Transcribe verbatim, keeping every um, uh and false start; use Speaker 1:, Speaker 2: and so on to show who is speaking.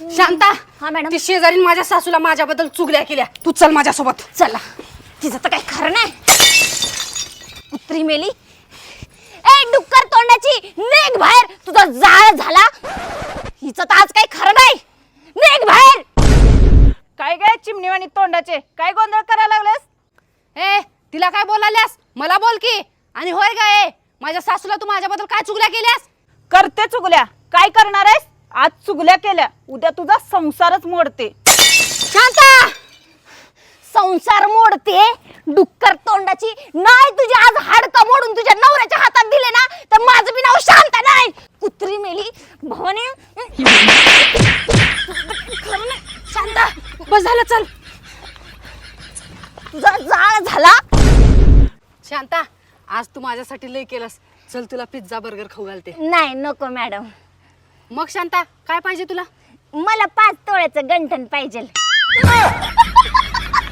Speaker 1: शांता
Speaker 2: हा मॅडम.
Speaker 1: ती शेजारीन माझ्या सासूला माझ्याबद्दल चुगल्या केल्या. तू चल माझ्यासोबत.
Speaker 2: चला तिचं तर काही खरं नाही. कुत्री मेली. ए डुक्कर तोंडाची निघ बाहेर. तुझा जाळ झाला. हिचं तर आज काही खरं नाही. निघ बाहेर.
Speaker 3: काय काय चिमणीवाणी तोंडाचे काय गोंधळ करायला लागलेस?
Speaker 1: ए तिला काय बोलाल्यास? मला बोल की. आणि होय गाय माझ्या सासूला तू माझ्याबद्दल काय चुगल्या केल्यास?
Speaker 3: करते चुगल्या. काय करणार आहेस? आज चुगल्या केल्या उद्या तुझा संसारच मोडते.
Speaker 2: शांता संसार मोडते डुक्कर तोंडाची. नाही तुझी आज हाडकं मोडून तुझ्या नवऱ्याच्या हातात दिले ना तर माझं बी नाव शांता नाही. कुत्री मेली भवानी. खरं नाही.
Speaker 1: शांता बस झालं चल.
Speaker 2: तुझा जाळ झाला.
Speaker 1: शांता आज तू माझ्यासाठी लय केलंस. चल तुला पिझ्झा बर्गर खाऊ घालते.
Speaker 2: नाही नको मॅडम.
Speaker 1: मग शांता काय पाहिजे तुला?
Speaker 2: मला पाच तोळ्याचं गंठन पाहिजे.